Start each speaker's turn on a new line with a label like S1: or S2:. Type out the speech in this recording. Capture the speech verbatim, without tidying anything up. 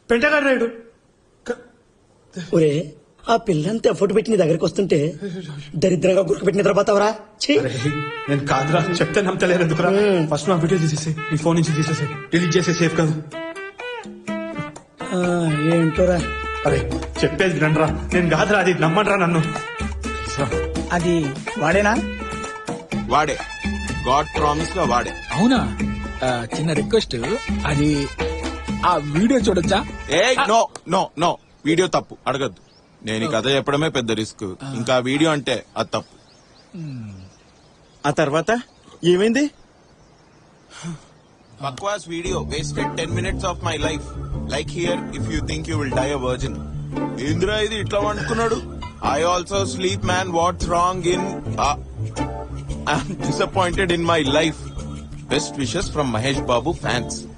S1: పెంటగాడు రాయుడు.
S2: ఒరే ఆ పిల్లంతా ఎఫర్ట్ పెట్టి నీ దగ్గరికి వస్తుంటే దరిద్రంగా గుర్కు పెట్టి నిద్రపోతావరా?
S1: నేను కాదురా, చెప్తే నమ్మతలేరు ఎందుకురా. ఫస్ట్ మా వీడియో తీసేసి నీ ఫోన్ నుంచి తీసేసి డిలీట్ చేసే సేఫ్ కాదు.
S2: ఏంటోరా
S1: అరే చెప్పేది వినండిరా, నేను కాదురా, అది నమ్మండిరా నన్ను.
S2: అది వాడేనా?
S3: వాడే, గాడ్ ప్రామిస్ గా వాడే.
S4: అవునా? ఆ, చిన్న రిక్వెస్ట్, అది ఆ వీడియో చూడొచ్చా?
S3: ఏ నో నో నో, వీడియో తప్పు, అడగద్దు. నేను ఈ కథ చెప్పడమే పెద్ద రిస్క్, ఇంకా వీడియో అంటే అది తప్పు.
S5: ఆ తర్వాత ఏమైంది?
S3: బక్వాస్ video wasted ten minutes of my life. Like here if you think you will die a virgin. ఏంద్రా ఇది ఇట్లా అనుకున్నాడు. I also sleep man, what's wrong in I'm disappointed in my life. Best wishes from Mahesh Babu fans.